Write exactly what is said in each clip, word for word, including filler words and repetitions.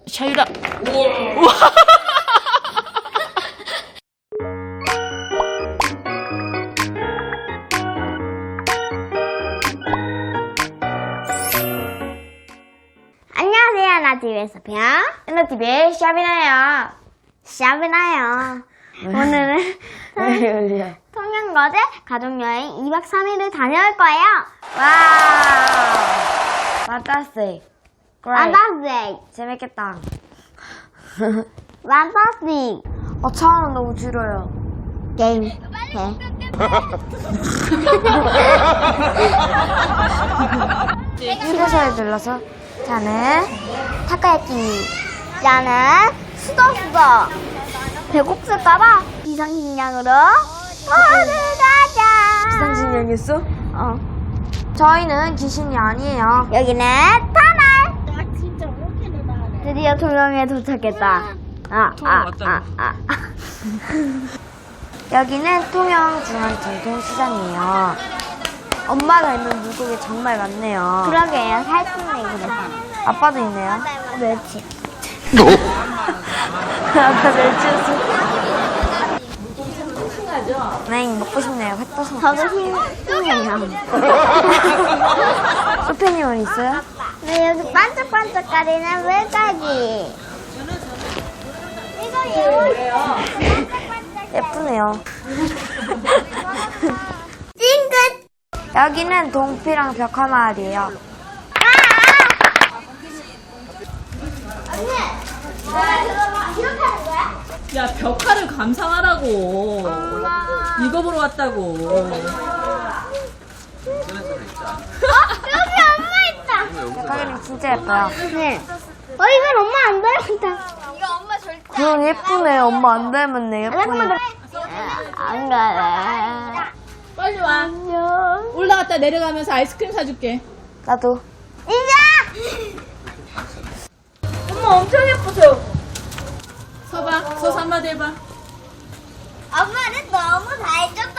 샤유다. 우와. 안녕하세요. 나티비에서 봬요. 나티비의 샤비나요. 샤비나요. 오늘은 통영거제 가족여행 이박 삼일을 다녀올 거예요. 와우! 판타스틱. 판타스틱. 재밌겠다. 판타스틱. 어, 차는 너무 줄어요. 게임. 해. 휴게소에 들러서 자는 타코야끼. 나는 수더수더. 배고플까봐 비상식량으로 어디 가자. 비상식량이었어? 어. 저희는 귀신이 아니에요. 여기는 터널. 드디어 통영에 도착했다. 아, 아, 아, 아. 여기는 통영 중앙전통시장이에요. 엄마가 있는 물고기 정말 많네요. 그러게요. 살찐네, 그래서. 아빠도 있네요. 멸치. 아빠 멸치였어. 네, 먹고 싶네요. 햇떠서. 저도 힘, 힘내요. 소피님은 있어요? 네, 여기 반짝반짝거리는 물고기. 이거 예뻐요. 예쁘네요. 찡긋. 여기는 동피랑 벽화마을이에요. 언니, 이렇게 하는 거야? 야, 벽화를 감상하라고. 이거 보러 왔다고. 여기 엄마 있다. 벽화기는 진짜 예뻐요. 네. 어, 이건 엄마 안 닮았다. 이거 엄마 절대 그럼 예쁘네. 엄마 안 닮았네. 잠깐만. 예쁘네. 안 가래. 빨리 와. 안녕. 올라갔다 내려가면서 아이스크림 사줄게. 나도. 이자! 엄마 엄청 예쁘죠? 서봐. 서서 한마디 해봐. 엄마는 너무 잘해줬다.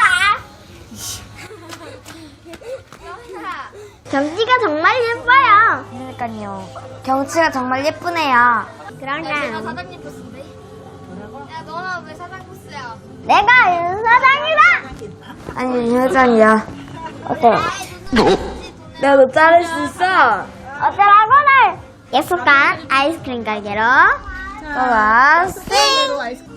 경치가 정말 예뻐요. 그러니까요. 경치가 정말 예쁘네요. 그러니까 사장님 코스인데? 야, 너는 왜 사장 코스야? 내가 윤사장이다. 아니, 회장이야. 어때? 내가 너 자를 수 있어. 어쩌라고는 약속한 아이스크림 가게로 고맙습니다. 그대로 아이스크림.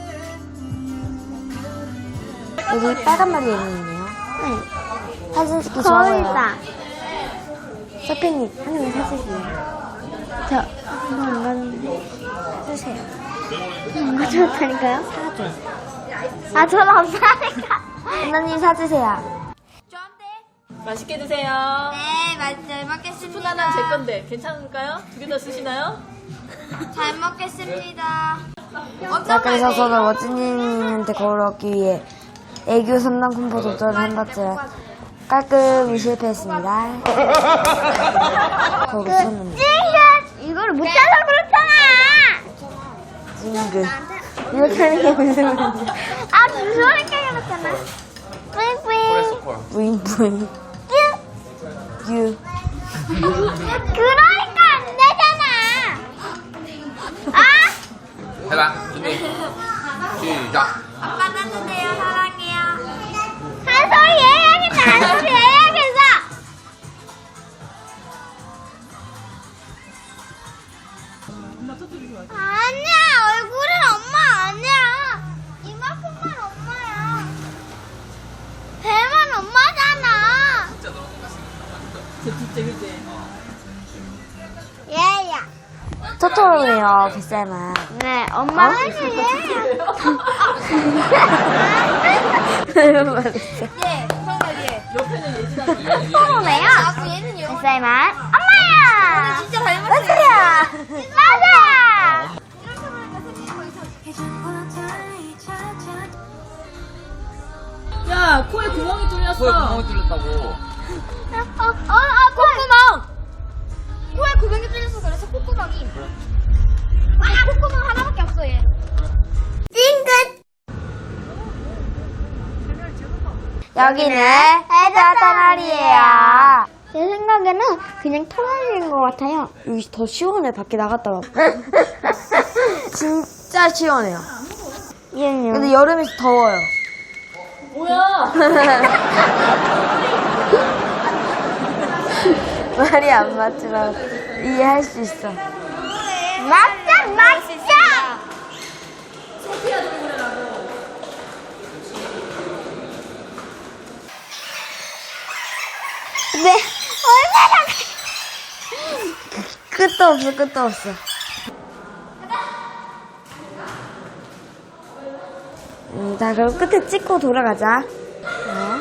여기 빨간 말이 있네요. 네. 사진 찍기 좋아요. 거울다. 서피님, 한 명이 사주세요. 저 이거 안 가는데 사주세요. 안 가져왔다니까요? 사줘. 아, 전 없다니까. 언니님 사주세요. 맛있게 드세요. 네, 맛, 잘 스푼 먹겠습니다. 하나는 제 건데 괜찮을까요? 두 개 더 쓰시나요? 잘 먹겠습니다. 자, 그래서 저는 워즈님한테 거울 얻기 위해 애교 삼 단 콤보 도전을 해봤지만 깔끔히 실패했습니다. 거울 쳤는데. 찡긋! 이거를 못 찾아 그렇잖아. 징글. 이렇게 하는 게 무슨 말이야. 아, 무서우니까 그렇잖아. 뿌잉뿌잉. 부잉부잉. 뀨. 유. 그러니까 안 되잖아. 아? 해봐. 준비. 시작. 아빠 따뜻해요, 사랑해요. 한 소리 해야겠다. 한 소리 해야겠어. 아니야, 얼굴은 엄마 아니야. 이만큼만 엄마야. 배만 엄마잖아. 저 진짜 그지? 얘야. 토토로네요, 뱃살만. 네, 엄마는 얘야. 예, 정말 예. 옆에는 예진아. 토토로네요. 아, 얘는 요. 뱃살만 엄마야. 진짜 닮았어요. 맞아요. 맞아. 이렇게 보니까 생긴 거 있어. 야, 코에 구멍이 뚫렸어. 코에 구멍이 뚫렸다고. 어, 어, 아, 콧구멍. 코에 구멍이 뚫려서 그래서 콧구멍이. 아, 콧구멍 하나밖에 없어, 얘. 찡긋. 여기는 해저 터널이에요. 제 생각에는 그냥 털어내는 것 같아요. 여기 더 시원해. 밖에 나갔다 와. 진짜 시원해요. 이은요. 근데 여름에 더워요. 뭐야? 말이 안 맞지만 이해할 수 있어. 맞자, 맞자! 네, 얼마나. 끝도 없어, 끝도 없어. 음, 자, 그럼 끝에 찍고 돌아가자. 어.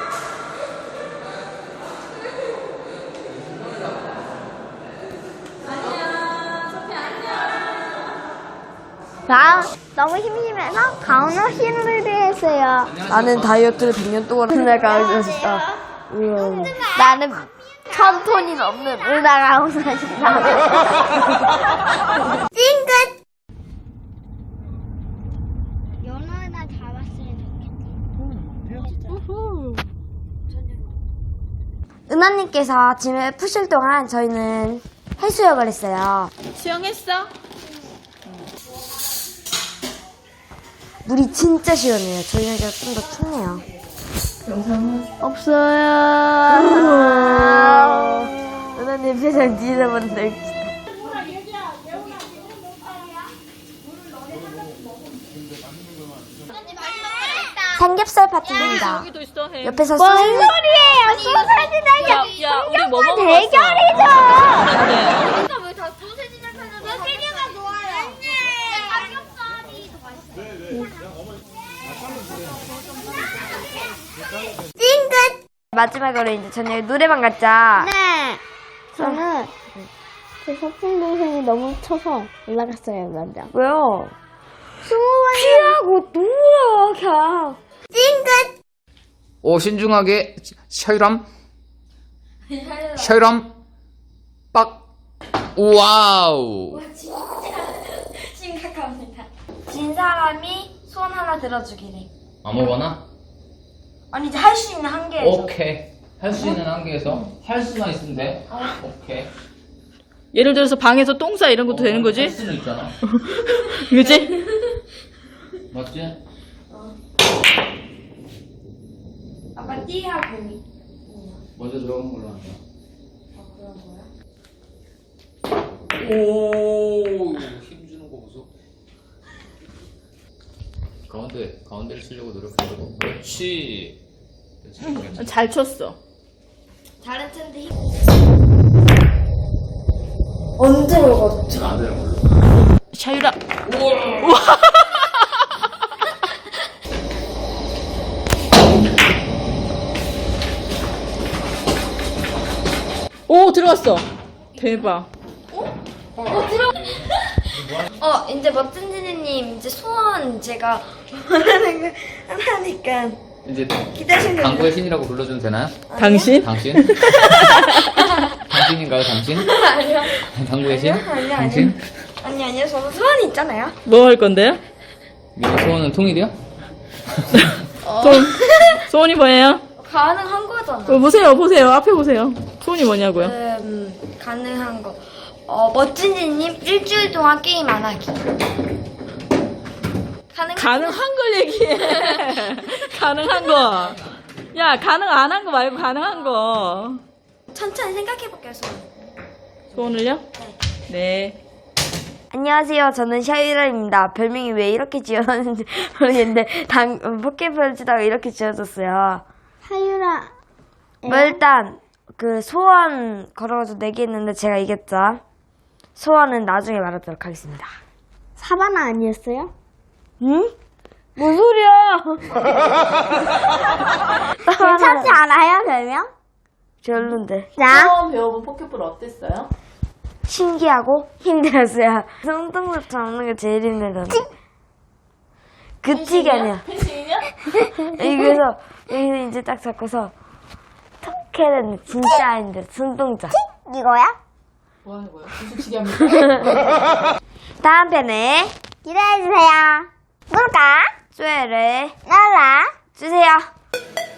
나 너무 심심해서 가운을 힘을 했어요. 나는 다이어트를 백 년 동안 맨날 가고 싶다. 우와. 나는 천 톤이 넘는 은하가 싶다. 찡긋! 연어나 잡았으면 좋겠지. 은하님께서 짐을 푸실 동안 저희는 해수욕을 했어요. 수영했어? 물이 진짜 시원해요. 저희는 좀 더 춥네요. 없어요. 은하님 표정 뒤에서 본데. 삼겹살 파티입니다. 여기도 있어. 해. 옆에서 뭔 소세지. 소리예요? 소세지는 야, 야, 우리 뭐 먹으러 대결이죠. 왔어? 네. 그러니까 왜 다 소세지를 사는데 소세지가 좋아요. 삼겹살이 더 맛있어요. 찡긋! 마지막으로 이제 저녁에 노래방 갔자. 네. 저는 제 소풍 동생이 너무 쳐서 올라갔어요, 먼저. 왜요? 스무 번 피하고 누워 그냥. 찡긋! 오, 신중하게. 셔이람. 셔이람. 빡. 와우. 심각합니다. 진 사람이 손 하나 들어주기래. 아무거나? 아니 이제 할 수 있는 한계에서. 오케이. 할 수 있는 한계에서 할 수만 있으면 돼. 오케이. 예를 들어서 방에서 똥 싸 이런 것도 되는 할 거지? 수는 있잖아. 그지? 맞지? 아까 띠하고 미. 먼저 들어간 걸로 한다. 오, 힘주는 거 보소. 가운데, 가운데를 치려고 노력하고. 그렇지. 그렇지. 그렇지. 잘 쳤어. 다른 텐데 힘. 언제 먹었죠? 안 되는 걸로. 샤유라. 오, 들어갔어. 대박. 어 이제 멋진 지니님 이제 소원 제가 원하는 거 하나니까 이제 기다리는 당구의 신이라고 불러줘도 되나요? 당신? 당신? 당신인가요, 당신? 아니요 당구의 신? 아니요, 아니요, 당신? 아니 아니요 저는 소원이 있잖아요. 뭐 할 건데요? 미리 소원은 통일이요? 소, 소원이 뭐예요? 가능한 거잖아. 어, 보세요, 보세요. 앞에 보세요. 소원이 뭐냐고요? 음 가능한 거. 어 멋진 지니님 일주일 동안 게임 안 하기. 가능 가능한 걸 얘기해. 가능한 거. 야, 가능 안 한 거 말고 가능한 거. 천천히 생각해 볼게요 소원. 소원을요? 네. 안녕하세요. 저는 샤이라입니다. 별명이 왜 이렇게 지어졌는지 모르겠는데 당 포켓볼 치다가 이렇게 지어졌어요. 하유라. 뭐 일단 그 소원 걸어가지고 내기했는데 제가 이겼죠. 소원은 나중에 말하도록 하겠습니다. 사바나 아니었어요? 응? 뭔 소리야? 괜찮지 않아요, 별명? 별론데. 자, 처음 배워본 포켓볼 어땠어요? 신기하고 힘들었어요. 손동작 잡는 게 제일 힘들었는데. 그치가 아니야. 펜싱이냐? 여기서 여기서 이제 딱 잡고서 턱 해야 되는데 진짜 힘들어. 손동작. 이거야? 뭐 하는 거야? 무슨 치기 합니까? 다음 편에 기대해주세요. 뭘까? 쏘야를 나라. 주세요.